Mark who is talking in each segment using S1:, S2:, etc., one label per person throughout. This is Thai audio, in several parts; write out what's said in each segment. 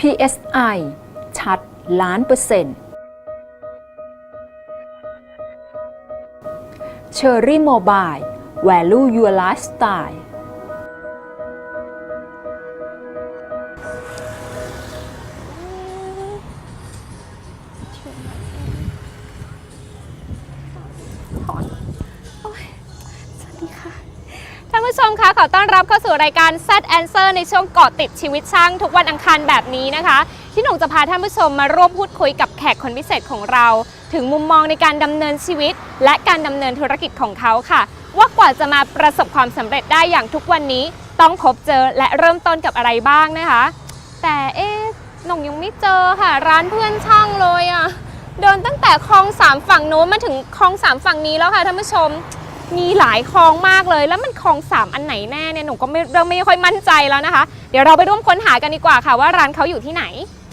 S1: PSI ชัด1,000,000% Cherry Mobile Value Your Lifestyle
S2: ท่านผู้ชมคะขอต้อนรับเข้าสู่รายการ Z Answer ในช่วงเกาะติดชีวิตช่างทุกวันอังคารแบบนี้นะคะที่หนุ่มจะพาท่านผู้ชมมาร่วมพูดคุยกับแขกคนพิเศษของเราถึงมุมมองในการดำเนินชีวิตและการดำเนินธุรกิจของเขาค่ะว่ากว่าจะมาประสบความสำเร็จได้อย่างทุกวันนี้ต้องพบเจอและเริ่มต้นกับอะไรบ้างนะคะแต่หนุ่มยังไม่เจอค่ะร้านเพื่อนช่างเลยอ่ะเดินตั้งแต่คลอง3ฝั่งโน้นมาถึงคลอง3ฝั่งนี้แล้วค่ะท่านผู้ชมมีหลายคลองมากเลยแล้วมันคลอง3อันไหนแน่เนี่ยหนูก็ไม่ค่อยมั่นใจแล้วนะคะเดี๋ยวเราไปร่วมค้นหากันดีกว่าค่ะว่าร้านเขาอยู่ที่ไหน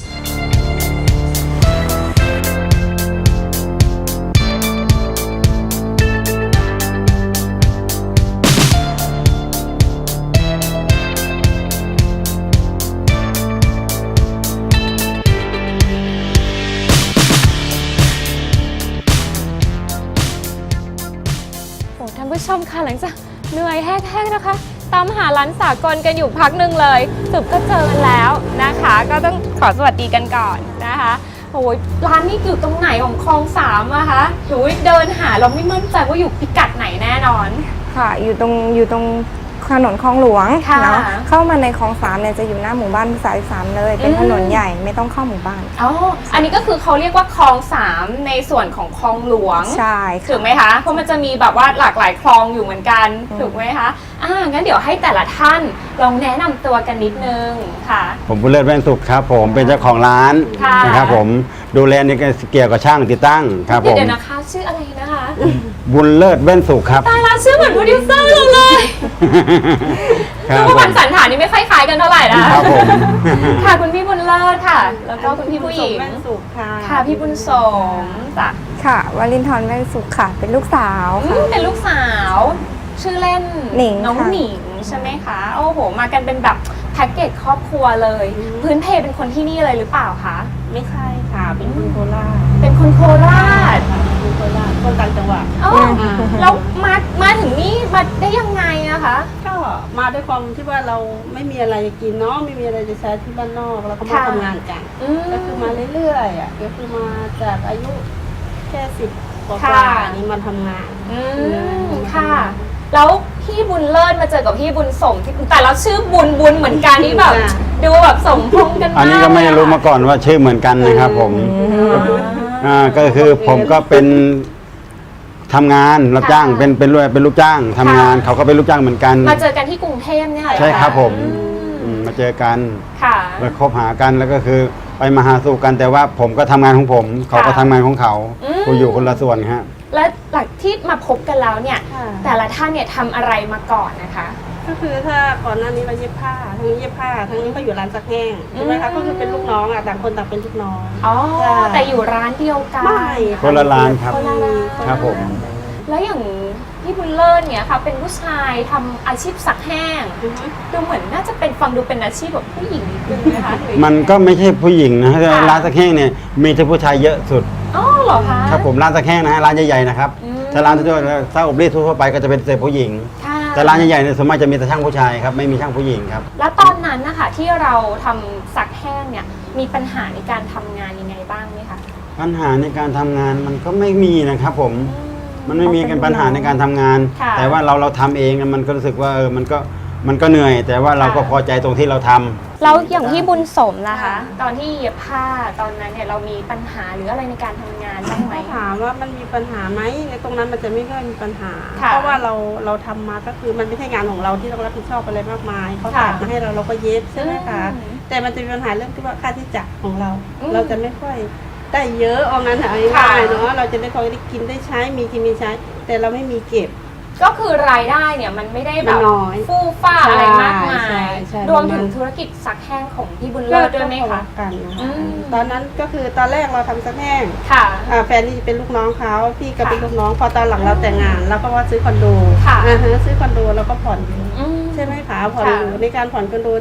S2: ท่านผู้ชมค่ะหลังจากเหนื่อยแห้งๆนะคะตามหาร้านสากลกันอยู่พักหนึ่งเลยสุดก็เจอกันแล้วนะคะก็ต้องขอสวัสดีกันก่อนนะคะโอ้ยร้านนี้อยู่ตรงไหนของคลอง3อะคะหนูเดินหาเราไม่มั่นใจว่าอยู่พิกัดไหนแน่นอน
S3: ค่ะอยู่ตรงถนนคลองหลวงเนาะเข้ามาในคลอง3เนี่ยจะอยู่หน้าหมู่บ้านสาย3เลยเป็นถนนใหญ่ไม่ต้องเข้าหมู่บ้าน
S2: อ๋ออันนี้ก็คือเขาเรียกว่าคลอง3ในส่วนของคลองหลวง
S3: ใช่
S2: ถูกไหมคะเพราะมันจะมีแบบว่าหลากหลายคลองอยู่เหมือนกันถูกไหมคะงั้นเดี๋ยวให้แต่ละท่านลองแนะนำตัวกันนิดนึงค่ะ
S4: ผมบุญเลิศแว่นสุขครับผมเป็นเจ้าของร้านนะครับผมดูแลในเกี่ยวกับช่างติดตั้งครับผม
S2: เดี๋ยวนะคะชื่ออะไรนะคะ
S4: บุญเลิศแว่นสุขครับ
S2: ตายละชื่อเหมือนโปรดิวเซอร์เราเลยคือว่าวันสันฐานนี่ไม่ค่อยคล้ายกันเท่าไหร่นะครับ
S4: ผม
S2: ค่ะคุณพี่บุญเลิศค่ะแล้วก็คุณพี่ผู้หญิง
S3: แว่นสุขค่ะ
S2: ค่ะพี่บุญสมจ้ะ
S3: ค่ะวลินทร์แว่นสุขค่ะเป็นลูกสาว
S2: เป็นลูกสาวชื่อเล่น
S3: หนิง
S2: น้องหนิงใช่ไหมคะโอ้โหมากันเป็นแบบแพ็กเกจครอบครัวเลยพื้นเพเป็นคนที่นี่เลยหรือเปล่าคะ
S5: ไม่ใช่ค่ะเป็นคนโคราช
S2: เป็นคนโคราช
S5: คนโคราชคนต่างจังหวัด
S2: แล้วมาถึงนี่มาได้ยังไงอะคะ
S5: ก็มาด้วยความที่ว่าเราไม่มีอะไรจะกินเนาะไม่มีอะไรจะใช้ที่บ้านนอกเราก็มาทำงานกันก็คือมาเรื่อยๆอ่ะก็คือมาจากอายุแค่10 กว่านี้มาทำงาน
S2: ค่ะแล้วพี่บุญเลิศมาเจอกับพี่บุญสมที่แต่เราชื่อบุญเหมือนกันนี่แบบดูแบบสมพงษ์กันมาก
S4: อันนี้ก็ไม่รู้มาก่อนว่าชื่อเหมือนกันนะครับผมก็คือผมก็เป็นทำงานรับจ้างเป็นลูกจ้างทำงานเขาก็เป็นลูกจ้างเหมือนกัน
S2: มาเจอกันที่กรุงเทพเนี่ย
S4: ใช่ครับผมมาเจอกันแล้วคบหากันแล้วก็คือไปมาหาสู่กันแต่ว่าผมก็ทำงานของผมเขาก็ทำงานของเขากูอยู่คนละส่วนฮะ
S2: และหลังที่มาพบกันแล้วเนี่ยแต่ละท่านเนี่ยทำอะไรมาก่อนนะคะ
S5: ก็คือถ้าก่อนหน้านี้เราเย็บผ้าทั้งนี้เย็บผ้าทั้งนี้ก็อยู่ร้านซักแห้งใช่ไหมคะก็คือเป็นลูกน้องอ่ะต่างคนต่างเป็นลูกน้อง
S2: แต่อยู่ร้านเดียวกัน
S5: ไม่
S4: คนละร้านครับครับผม
S2: แล้วอย่างพี่บุญเลิศเนี่ยค่ะเป็นผู้ชายทำอาชีพซักแห้งดูเหมือนน่าจะเป็นฟังดูเป็นอาชีพแบบผู้หญิงนิดนึงนะคะ
S4: มันก็ไม่ใช่ผู้หญิงนะร้านซักแห้งเนี่ยมีแต่ผู้ชายเยอะสุด
S2: อ๋อเหรอคะ
S4: ครับผมร้านซักแห้งนะฮะร้านใหญ่ๆนะครับถ้าร้านทั่วๆถ้าอบรีดทั่วไปก็จะเป็นแต่ผู้หญิงแต่ร้านใหญ่ๆเนี่ยส่วนมากจะมีแต่ช่างผู้ชายครับไม่มีช่างผู้หญิงครับ
S2: แล้วตอนนั้นนะคะที่เราทำซักแห้งเนี่ยมีปัญหาในการทำงานยังไงบ้างไหมคะ
S4: ปัญหาในการทำงานมันก็ไม่มีนะครับผมมันไม่มีกันปัญหาในการทำงานแต่ว่าเราทำเองมันก็รู้สึกว่ามันก็เหนื่อยแต่ว่าเราก็พอใจตรงที่เราทำ
S2: แล้วอย่างที่บุญสมนะคะตอนที่เย็บผ้าตอนนั้นเนี่ยเรามีปัญหาหรืออะไรในการทำงานบ้างไหม
S5: ถามว่ามันมีปัญหาไหมในตรงนั้นมันจะไม่ค่อยมีปัญหาเพราะว่าเราทำมาก็คือมันไม่ใช่งานของเราที่ต้องรับผิดชอบอะไรมากมายเขาตัดมาให้เราก็เย็บใช่ไหมคะแต่มันจะมีปัญหาเรื่องที่ว่าค่าใช้จ่ายของเราจะไม่ค่อยได้เยอะเอางั้นเอาง่ายๆเนาะเราจะได้พอได้กินได้ใช้มีกินมีใช้แต่เราไม่มีเก็บ
S2: ก็คือรายได้เนี่ยมันไม่ได้แบบฟู่ฟ้าอะไรมากมายรวมถึงธุรกิจซักแห้งของพี่บุญเลิศด้วยไหมคะ
S5: กันตอนนั้นก็คือตอนแรกเราทำซักแห้งแฟนนี่เป็นลูกน้องเขาพี่ก็เป็นลูกน้องพอตอนหลังเราแต่งงานเราก็ว่าซื้อคอนโดซื้อคอนโดแล้วก็ผ่อนใช่ไหมคะผ่อนอยู่ในการผ่อนคอนโดที่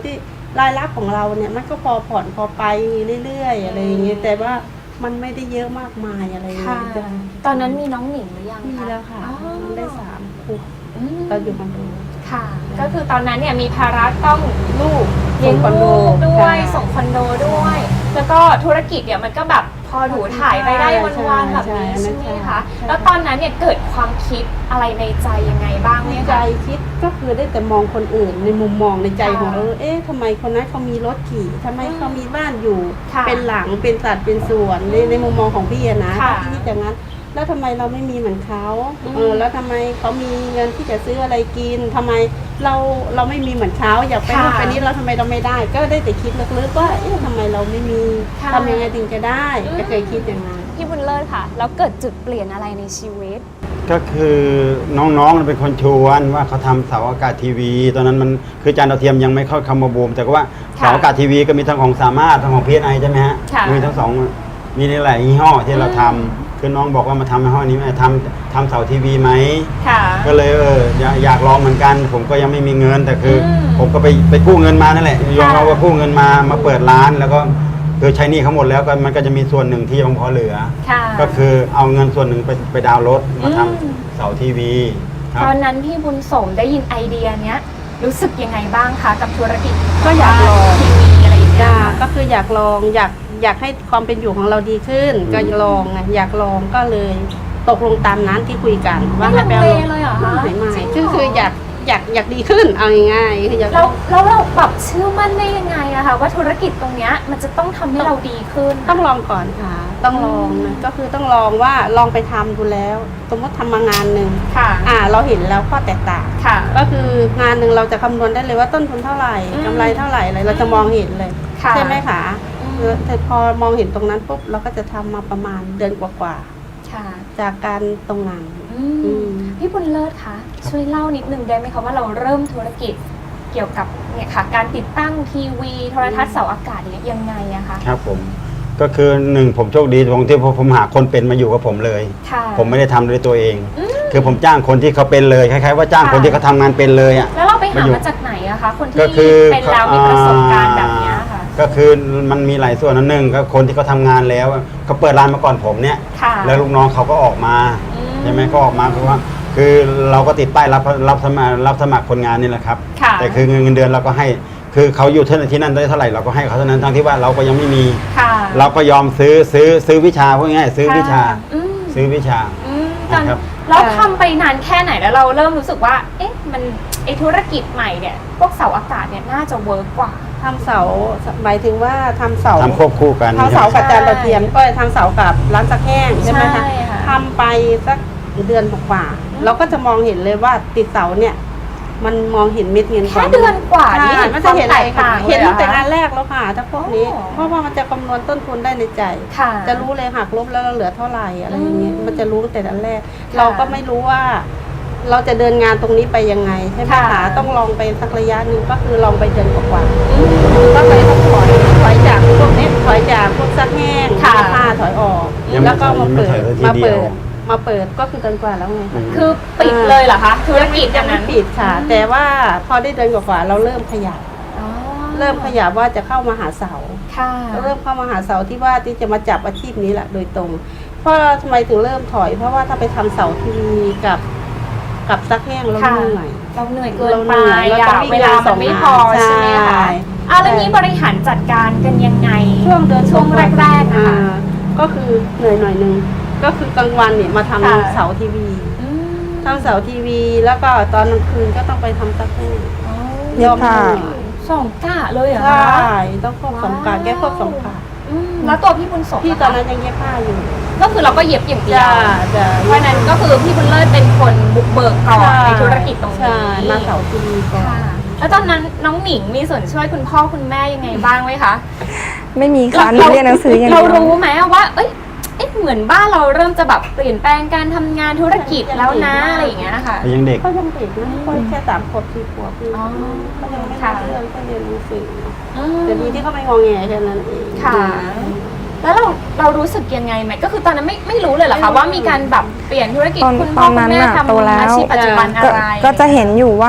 S5: รายรับของเราเนี่ยมันก็พอผ่อนพอไปเรื่อยๆอะไรอย่างเงี้ยแต่ว่ามันไม่ได้เยอะมากมายอะไรอย่าง
S2: ค่ะ
S5: เงี้ยจ้ะ
S2: ตอนนั้นมีน้องหนิงหรือยัง
S5: มี
S2: คะ
S5: แล้วค่ะ
S2: อ๋อ
S5: ได้3 ขวบ
S2: อืม
S5: เราอยู่คอนโด
S2: ค่ะ ก็คือตอนนั้นเนี่ยมีภาระต้องลูก
S5: ส่
S2: เลี้ย
S5: ง
S2: ง
S5: คอนโด
S2: ลูกด้วย
S5: ค่ะ
S2: ส่งคอนโดด้วย แล้วก็ธุรกิจเนี่ยมันก็แบบพอถูถ่ายไปได้วันๆแบบนี้
S5: ใช่
S2: ใช่ไหม
S5: ใช่
S2: คะ
S5: ใช่
S2: แล้วตอนนั้นเนี่ยเกิดความคิดอะไรในใจยังไงบ้างไหม
S5: ใจ
S2: คะ
S5: คิดก็คือได้แต่มองคนอื่นในมุมมองในใจของ
S2: ค่ะ
S5: เราเอ๊ะทำไมคนนั้นเขามีรถขี่ทำไมเขามีบ้านอยู่
S2: ค่ะ
S5: เป็นหลังเป็นสัดเป็นส่วนในมุมมองของพี่อะนะ
S2: ค่ะ
S5: พี่คิดอย่างนั้น แล้วทำไมเราไม่มีเหมือนเขา
S2: อืม
S5: แล้วทำไมเขามีเงินที่จะซื้ออะไรกินทำไมเราไม่มีเหมือนเขาอยากไป
S2: ค่ะ
S5: นู่นไปนี่เราทำไมเราไม่ได้ ก็ได้แต่คิดลึกๆว่าเอ๊ะทำไมเราไม่มี
S2: ค่ะ
S5: ทำยังไงถึงจะได้
S2: อืม
S5: ก็เคยคิดอย่างนั้น
S2: พี่บุญเลิศค่ะ แล้วเกิดจุดเปลี่ยนอะไรในชีวิต
S4: ก็คือน้องๆเป็นคนชวนว่าเขาทำเสาอากาศทีวี ตอนนั้นมันคือจานดาวเทียมยังไม่เข้าคำมาบูม แต่ว่า
S2: ค่ะ
S4: เสาอากาศทีวีก็มีทั้งของสามารถทั้งของ PSI ใช่ไหมฮะ
S2: ค่ะ
S4: มีทั้งสองมีหลายยี่ห้อที่เราทำคือน้องบอกว่ามาทำยี่ห้อนี้ไหมทำเสาทีวีไหม
S2: ค่ะ
S4: ก็เลยอยากลองเหมือนกัน ผมก็ยังไม่มีเงินแต่คืออ
S2: ม
S4: ผมก็ไปกู้เงินมานั่นแหละยอมรับว่ากู้เงินมาเปิดร้าน แล้วก็คือใช้หนี้เขาหมดแล้วก็มันก็จะมีส่วนหนึ่งที่ยังพอเหลือ
S2: ค่ะ
S4: ก็คือเอาเงินส่วนหนึ่งไปดาวน์รถมาท
S2: อืม
S4: ำเสาทีวีครับ
S2: ตอนนั้นพี่บุญสมได้ยินไอเดียเนี้ยรู้สึกยังไงบ้างคะกับธุรกิจ
S5: ก็อยากลอง
S2: ทีวีอะไรอย่างเงี้ย
S5: จ้า
S2: ค่ะ
S5: ก็คืออยากลองอยากให้ความเป็นอยู่ของเราดีขึ้น ก็ลองไงอยากลองก็เลยตกลงตามนั้นที่คุยกัน
S2: ไม่
S5: ให้
S2: ลัง
S5: ไป
S2: เล
S5: อา
S2: เลยเหรอคะ
S5: ไม่
S2: จริงเหร
S5: คืออยากดีขึ้นเอาง่ายๆคืออยาก
S2: แล้วเราแบบเชื่อมั่นได้ยังไงอะคะว่าธุรกิจตรงเนี้ยมันจะต้องทำให้เราดีขึ้น
S5: ต้องลองก่อนค่ะ ต้องลองนะก็คือต้องลองว่าลองไปทำดูแล้ว สมมติทำมางานหนึ่ง
S2: ค่ะ
S5: เราเห็นแล้วข้อแตกต่าง
S2: ค่ะ
S5: ก็คืองานหนึ่งเราจะคำนวณได้เลยว่าต้นทุนเท่าไหร่
S2: อืม
S5: กำไรเท่าไหร่อะไรเราจะมองเห็นเลย
S2: ค่ะ
S5: ใช่ไหมคะ
S2: อืม
S5: แต่พอมองเห็นตรงนั้นปุ๊บเราก็จะทำมาประมาณเดือนกว่า
S2: ค่ะ
S5: ๆจากการตรงนั้น
S2: อืม
S5: อืม
S2: พี่บุญเลิศคะช่วยเล่านิดนึงได้ไหมคะว่าเราเริ่มธุรกิจเกี่ยวกับเนี่ยค่ะการติดตั้งทีวีโทรทัศน์เสาอากาศเนี่ยยังไงอะคะ
S4: ครับผมก็คือหนึ่งผมโชคดีตรงที่ผมหาคนเป็นมาอยู่กับผมเลย
S2: ค่ะ
S4: ผมไม่ได้ทำด้วยตัวเอง คือผมจ้างคนที่เขาเป็นเลยคล้ายๆว่าจ้างคนที่เขาทำงานเป็นเลยอ่ะ
S2: แล้วเราไปหา
S4: มาอยู่
S2: มาจากไหนอะคะคน
S4: ก็
S2: ที่
S4: คือ
S2: เป็นแล้วมีประสบการณ์แบบเนี้ยค่ะ
S4: ก็คือมันมีหลายส่วนนะหนึ่งก็คนที่เขาทำงานแล้วเขาเปิดร้านมาก่อนผมเนี่ย
S2: ค่ะ
S4: แล้วลูกน้องเขาก็ออกมา
S2: อืม
S4: ใช่ไหมก็ออกมาเพราะว่า คือเราก็ติดป้ายรับสมัครคนงานนี่แหละครับ
S2: ค่ะ
S4: แต่คือเงินเดือนเราก็ให้ คือเขาอยู่ที่นั่นได้เท่าไหร่เราก็ให้เขาเท่านั้นทั้งที่ว่าเราก็ยังไม่มี
S2: ค่ะ
S4: เราก็ยอมซื้อวิชาพวกง่ายๆซื้อวิชา
S2: อืม
S4: ซื้อวิชา
S2: อืมตอน
S4: นะครับ
S2: เราทำไปนานแค่ไหนแล้วเราเริ่มรู้สึกว่า เอ๊ะมันไอธุรกิจใหม่เนี่ยพวกเสาอากาศเนี่ยน่าจะเวิร์กกว่า
S5: ทำเสาหมายถึงว่าทำเสา
S4: ทำควบคู่กัน
S5: ทำเสา
S4: ใช่
S5: กับ
S4: ไหม
S5: จานดาวเทียมก็ทำเสากับร้านซักแห้งใช่ไหมคะ
S2: ใช่ค่ะ
S5: ทำไปสักเดือนกว่าๆเราก็จะมองเห็นเลยว่าติดเสาเนี่ย มันมองเห็นเม็ดเงิน
S2: แค่เดือนกว่านี่
S5: ใช่
S2: เห็น
S5: มัน
S2: ค
S5: จะ
S2: วาม
S5: เห็น
S2: แต
S5: อะไร
S2: ก
S5: ค่ะ
S2: ต่าง
S5: เห็น
S2: ลย
S5: ตั้งแต่
S2: หรอคะ
S5: งานแรกแล้วค่ะถ้าพวกนี้
S2: อ๋อ
S5: เพราะว่ามันจะคำนวณต้นทุนได้ในใจ
S2: ค่ะ
S5: จะรู้เลยหักลบแล้วเราเหลือเท่าไหร่อะไรอย่างเงี้ย
S2: อืม
S5: มันจะรู้ตั้งแต่อันแรก
S2: ค่ะ
S5: เราก็ไม่รู้ว่า เราจะเดินงานตรงนี้ไปยังไงใช่ไหม
S2: ค่ะ
S5: คะต้องลองไปสักระยะหนึ่งก็คือลองไปเดือนกว่าๆก็เลยต้องถอยจากพวกนี้ถอยจากพวกซักแห้ง
S2: ค่ะ
S5: ผ้าถอยออก
S4: ยังไม่
S5: แล้วก็มาเปิด
S4: ถอยเลยที
S5: มา
S4: เดี
S5: เปิ
S4: ยว
S5: ดมาเปิดก็คือเดือนกว่าแล้วไง
S2: คือปิดเลยเหรอคะธุรกิจอ
S5: ยั
S2: ย่าง ง
S5: ไม่
S2: นั้น
S5: ปิดค่ะ แต่ว่าพอได้เดือนกว่าๆเราเริ่มขยับ
S2: อ๋อ
S5: เริ่มขยับว่าจะเข้ามาหาเสา
S2: ค่ะ
S5: เริ่มเข้ามาหาเสาที่ว่าที่จะมาจับอาชีพนี้แหละโดยตรง เพราะทำไมถึงเริ่มถอย เพราะว่าถ้าไปทำเสาทีวีกับซักแห้งแล้ว
S2: ค่ะ
S5: เหนื่อย
S2: เราเหนื่อยเกิน
S5: เราเห
S2: ไป
S5: นื่อยเรา
S2: อะ
S5: ต้องวิ่ง
S2: เวลามันไม่พอ
S5: ใช่
S2: ใช่ไหมคะอ่ะแล้วนี้บริหารจัดการกันยังไง
S5: ช่วงเดือน
S2: ช่วงแรกๆนะคะ
S5: ก็คือเหนื่อยหน่อยนึงก็คือกลางวันเนี่ยมาทำ
S2: ค่ะ
S5: เสาทีวี
S2: อืม
S5: ทำเสาทีวี แล้วก็ตอนกลางคืนก็ต้องไปทำซักแห้ง
S2: อ๋อ
S3: เย็บผ้า
S2: สองกะเลยเหรอ
S5: ใช่
S2: คะ
S5: ต้องควบสองการแก้ควบสองการ
S2: อืมแล้วตัวพี่บุญสม
S5: พี่
S2: ล่ะ
S5: ตอน
S2: คะ
S5: นั้นยังเย็บผ้าอยู่
S2: ก็คือเราก็เย็บอย่างเดียว
S5: จะ
S2: เพราะฉะนั้นก็คือพี่บุญเลิศเป็นคนบุกเบิกก่อนในธุรกิจตรงนี้
S5: ใช่มาเสาทีวีก่อน
S2: ค่ะ แล้วตอนนั้นน้องหมิงมีส่วนช่วยคุณพ่อคุณแม่ยังไงบ้างไหมคะ
S3: ไม่มีค่ะหนูเรียนหนังสืออย่าง
S2: เรา
S3: เดียว
S2: รู้ไหมว่า เอ๊ะเหมือนบ้านเราเริ่มจะแบบเปลี่ยนแปลงการทำงานธุรกิจแล้วนะอะไรอย่างเงี้ยค่ะ
S4: ยังเด็ก
S5: ก็ยังเด็กนะก็แค่3 ขวบ4 ขวบเอง
S2: อ๋อ
S5: ก็ยังไม่
S2: ค่ะ
S5: รู้เรื่องก็เรียนหนังสือ
S2: อืม
S5: แต่ดีที่เขาไม่งอแงแค่นั้นเอง
S2: ค่ะ แล้วเรารู้สึกยังไงไหมก็คือตอนนั้นไม่รู้เลยเหรอคะว่ามีการแบบเปลี่ยนธุรกิจ
S3: ตอน
S2: คุณ
S3: ต
S2: พ่อ
S3: อน
S2: คุ
S3: นั้
S2: ณ
S3: น
S2: แม่
S3: น่ะโต
S2: ทำ
S3: แล้ว
S2: อาชีพปัจจุบันอะ
S3: ก็
S2: ไร
S3: ก็จะเห็นอยู่ว่า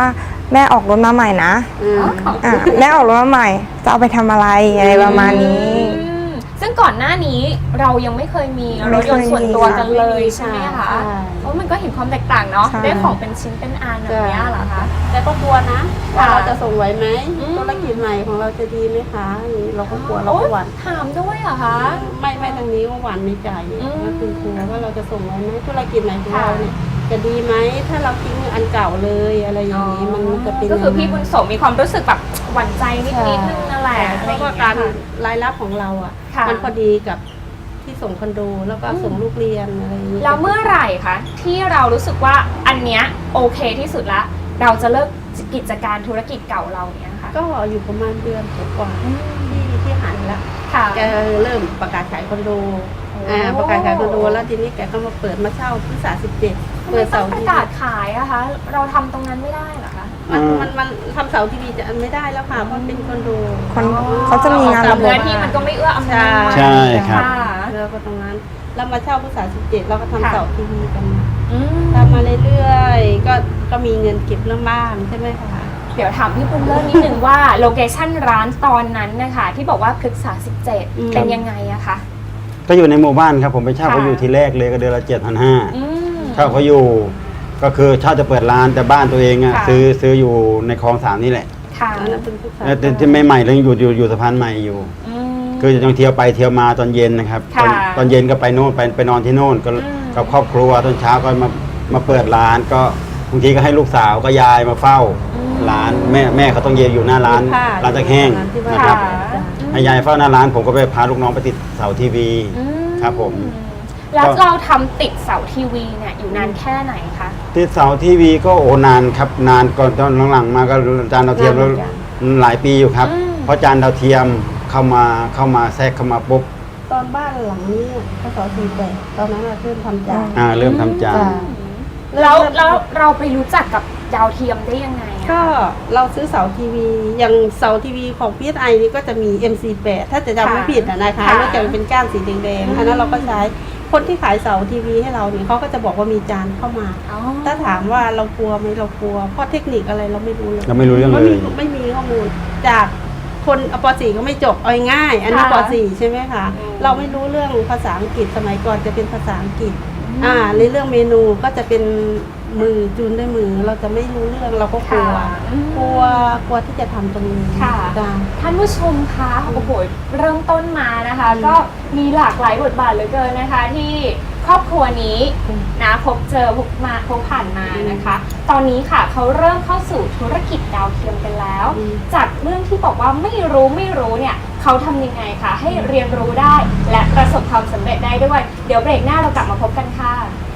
S3: แม่ออกรถมาใหม่นะแม่ออกรถมาใหม่จะเอาไปทำอะไรอะไรประมาณนี้
S2: ซึ่งก่อนหน้านี้เรายังไม่เคยมีรถยนต์ส่วนตัวกันเลยใช่ไหมคะเพราะมันก็เห็นความแตกต่างเนาะ
S3: ใช่
S2: ได้ของเป็นชิ้นเป็นอันแบบนี้เหรอคะ
S5: แต่ก็กลัวนะว่า
S2: ค่ะ
S5: เราจะส่งไหวไหม
S2: อืม
S5: ธุรกิจใหม่ของเราจะดีไหมคะอย่างนี้เราก็กลัวเราก็หวั่น
S2: ถามด้วยเหรอคะ
S5: ไม่ทางนี้ก็หวั่นในใจ
S2: อืม
S5: ก็คือกลัวว่าเราจะส่งไหวไหมธุรกิจใหม่ของเราเนี่ยจะดีไหมถ้าเราทิ้งอันเก่าเลยอะไรอย่างนี้มันจะเป็น
S2: ก็คือพี่
S5: ยังไง
S2: บุญสมมีความรู้สึกแบบหวั่นใจนิดๆนึงนั่นแหละ
S5: เพราะว่าการรายรับของเราอ่ะ
S2: ค่ะ
S5: มันพอดีกับที่ส่งคอนโดแล้วก็ส่งลูกเรียนอะไรอย่างนี้
S2: แล้วเมื่อไหร่คะที่เรารู้สึกว่าอันเนี้ยโอเคที่สุดละเราจะเลิกกิจการธุรกิจเก่าเราเนี้ยค่ะ
S5: ก็อยู่ประมาณเดือนกว่าๆที่หันละ
S2: ค่ะ
S5: แกเริ่มประกาศขายคอนโดประกาศขายคอนโดแล้วทีนี้แกก็มาเปิดมาเช่าพฤษภา17
S2: เปิ
S5: เปิ
S2: ด
S5: ด
S2: เสา
S5: เสา
S2: ร์
S5: ร์
S2: ประ
S5: ที่
S2: กาศขายอะคะ เราทำตรงนั้นไม่ได้เหรอคะ
S5: มันทำเสาร์ทีวีจะไม่ได้แล้วค่ะเพราะเป็นคอนโด
S3: เขาจะมีงานระบบ
S2: เนื้อที่มันก็ไม่เอื้ออำนวย
S4: ใช่ครับ
S2: ค่ะ
S5: แล้วก็ตรงนั้นแล้วมาเช่าพฤษภา17เราก็ทำ
S2: ค่ะ
S5: เสาร์ทีวีกันมา
S2: อืม
S5: ทำมาเรื่อยๆก็มีเงินเก็บเรื่องบ้านใช่ไหมคะ
S2: เดี๋ยวถามพี่ปุ้มเริ่มนิดนึงว่าโลเคชั่นร้านตอนนั้นนะคะที่บอกว่าพฤกษา
S5: อืม
S2: 17 เป็นยังไงอะคะ
S4: ก็อยู่ในหมู่บ้านครับผมไปเช่า
S2: ค่ะ
S4: เขาอยู่ทีแรกเลยก็เดือนละ7,500
S2: อืม
S4: เช่าเขาอยู่ก็คือเช่าจะเปิดร้านแต่บ้านตัวเองอะ
S2: ค่ะ
S4: ซื้ออยู่ในคลองสามนี่แหละ
S2: ค่ะ
S5: อันนั้นเป็นพฤษภา
S4: แล้วที่ใหม่ๆเลยอยู่สะพานใหม่อยู่
S2: อืม
S4: คือจะต้องเที่ยวไปเที่ยวมาตอนเย็นนะครับ
S2: ค่ะ
S4: ตอนเย็นก็ไปโน่นไปนอนที่โน่นก็
S2: อืม
S4: กับครอบครัวตอนเช้าก็มาเปิดร้านก็บางทีก็ให้ลูกสาวก็ยายมาเฝ้าร้านแม่เขาต้องเย็นอยู่หน้าร้านร้านตะแห้ง
S5: ที่บ้า
S4: นะครับ
S2: ค่ะ
S4: ให้ยายเฝ้าหน้าร้านผมก็ไปพาลูกน้องไปติดเสาทีวี
S2: อืม
S4: ครับผม
S2: แล้วเราทำติดเสาทีวีเนี่ยอยู่นานแค่ไหนคะ
S4: ติดเสาทีวีก็นานครับนานก่อนตอนหลังๆมาก็จานดาวเทียมแล้วหลายปีอยู่ครับ
S2: อืม
S4: เพราะจานดาวเทียมเข้ามาแทรกเข้ามาปุ๊บ
S5: ตอนบ้านหลังนี้พศ48ตอนนั้นเราเริ่มทำจาน
S4: เริ่มทำจาน
S5: จ้ะ
S2: แล้วเราไปรู้จักกับดาวเทียมได้ยังไงอะ
S5: ก็เราซื้อเสาทีวีอย่างเสาทีวีของ PSI นี่ก็จะมี MC8 ถ้าจะจำไม่ผิดนะคะ
S2: ค่ะ
S5: แล้วจะเป็นก้านสีแดงๆอันนั้นเราก็ใช้คนที่ขายเสาทีวีให้เราเนี่ยเขาก็จะบอกว่ามีจานเข้ามา
S2: อ๋อ
S5: ถ้าถามว่าเรากลัวไหมเรากลัวเพราะเทคนิคอะไรเราไม่รู้เลย
S4: เราไม่รู้เรื่องเลย
S5: ไม่มีข้อมูลจากคนป .4 ก็ไม่จบเอาง่ายๆอันนี้ป .4 ใช่ไหมคะเราไม่รู้เรื่องภาษาอังกฤษสมัยก่อนจะเป็นภาษาอังกฤษในเรื่องเมนูก็จะเป็นมือจูนด้วยมือเราจะไม่รู้เรื่องเราก็กลัว
S2: ค่ะอืม
S5: กลัวที่จะทำตรงนี้
S2: ค่ะ
S5: จ้ะ
S2: ท่านผู้ชมคะโอ้โหเริ่มต้นมานะคะ ก็มีหลากหลายบทบาทเหลือเกินนะคะ ที่ครอบครัวนี้นะพบเจอพบผ่านมานะคะ ตอนนี้ค่ะเขาเริ่มเข้าสู่ธุรกิจดาวเทียมกันแล้ว จากเรื่องที่บอกว่าไม่รู้เนี่ยเขาทำยังไงคะให้เรียนรู้ได้และประสบความสำเร็จได้ด้วย เดี๋ยวเบรกหน้าเรากลับมาพบกันค่ะ